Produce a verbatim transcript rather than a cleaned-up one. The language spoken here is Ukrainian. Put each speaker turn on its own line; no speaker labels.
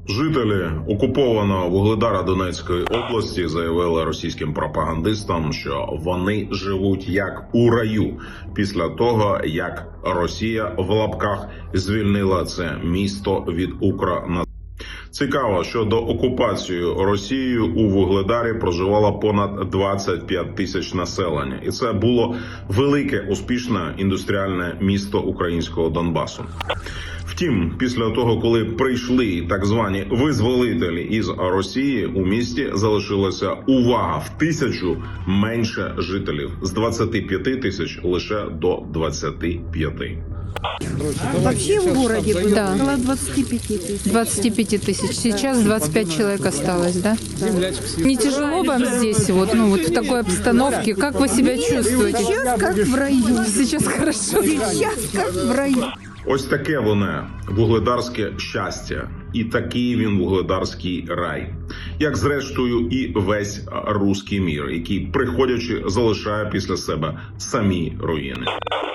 Жителі окупованого Вугледара Донецької області заявили російським пропагандистам, що вони живуть як у раю після того, як Росія в лапках звільнила це місто від Укрнації. Цікаво, що до окупації Росією у Вугледарі проживало понад двадцять п'ять тисяч населення. І це було велике, успішне індустріальне місто українського Донбасу. Втім, після того, коли прийшли так звані визволителі із Росії, у місті залишилася увага в тисячу менше жителів. З двадцяти п'яти тисяч лише до двадцяти п'яти.
Вообще в городе было
Да.
около двадцати пяти тысяч.
двадцать пять тысяч. Сейчас двадцать пять человек осталось, да? Не тяжело вам здесь, вот, ну, вот в такой обстановке? Как вы себя чувствуете?
Сейчас как в раю.
Сейчас хорошо.
Сейчас как в раю.
Ось таке воно вугледарське щастя. І такий він вугледарський рай. Як зрештою і весь руський мір, який, приходячи, залишає після себе самі руїни.